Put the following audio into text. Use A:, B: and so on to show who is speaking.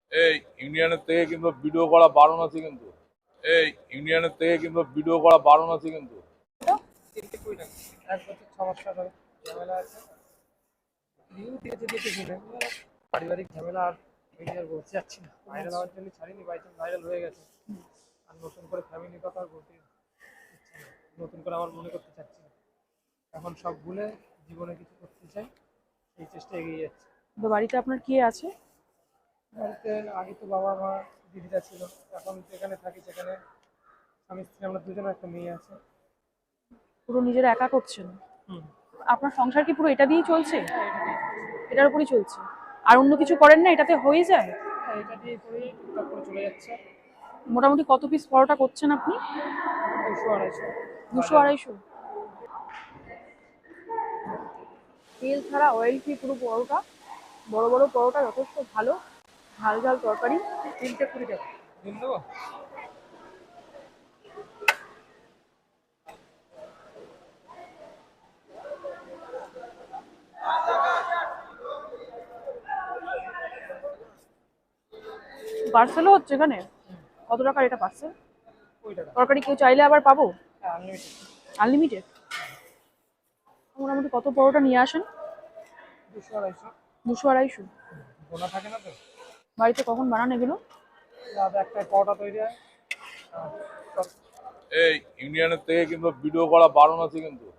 A: এই ইউনিয়নের থেকে কিন্তু ভিডিও করা বারণ আছে কিন্তু। এই ইউনিয়নের থেকে কিন্তু ভিডিও করা বারণ আছে কিন্তু।
B: এক বছর 6 মাস ধরে ঝামেলা আছে। রিভিউ দিয়েছে দেখে শুনে পারিবারিক ঝামেলা আর আমি আর বলতে চাচ্ছি না। ভাইরাল হওয়ার জন্য ছাড়িনি, বাই চান্স ভাইরাল হয়ে গেছে। আর নতুন করে ফ্যামিলির কথা আর বলতে ইচ্ছে না। নতুন করে আমার মনে করতে চাচ্ছি না। এখন সব ভুলে জীবনে কিছু করতে চাই, এই চেষ্টা এগিয়ে যাচ্ছে।
C: তো বাড়িতে আপনার কে আছে?
B: বাড়িতে আগে তো বাবা মা দিদিরা ছিল, এখন যেখানে থাকি সেখানে স্বামী স্ত্রী আমরা দুজনে, একটা মেয়ে আছে।
C: পুরো নিজেরা একা করছেন?
B: হুম।
C: আপনার সংসার কি পুরো এটা দিয়েই চলছে?
B: হ্যাঁ, এটা দিয়ে
C: এটার উপরই চলছে? আর অন্য কিছু করেন না? এটাতে হয়ে যায়?
B: হ্যাঁ, এটা দিয়ে করেই টুকটাক করে চলে যাচ্ছে।
C: মোটামুটি কত পিস পরোটা করছেন আপনি?
B: 200-250।
C: 200-250? তেল ছাড়া অয়েল ফ্রি পুরো পরোটা, বড় বড় পরোটা, যথেষ্ট ভালো ঝাল ঝাল তরকারি।
B: 3টে 20 টাকা দিন দেবো।
C: পার্সেলও হচ্ছে এখানে? কত টাকার এটা পার্সেল?
B: 20 টাকা।
C: তরকারি কেউ চাইলে আবার পাবো?
B: হ্যাঁ, আনলিমিটেড।
C: আনলিমিটেড? মোটামুটি কত পরোটা নিয়ে আসেন?
B: 200-250।
C: 200-250?
B: গোনা থাকে না তো।
C: বাড়িতে কখন বানান এগুলো?
B: রাত 1টায় পরোটা তৈরি হয়। আর
A: এই ইউনিয়নের থেকে কিন্তু ভিডিও করা বারণ আছে কিন্তু।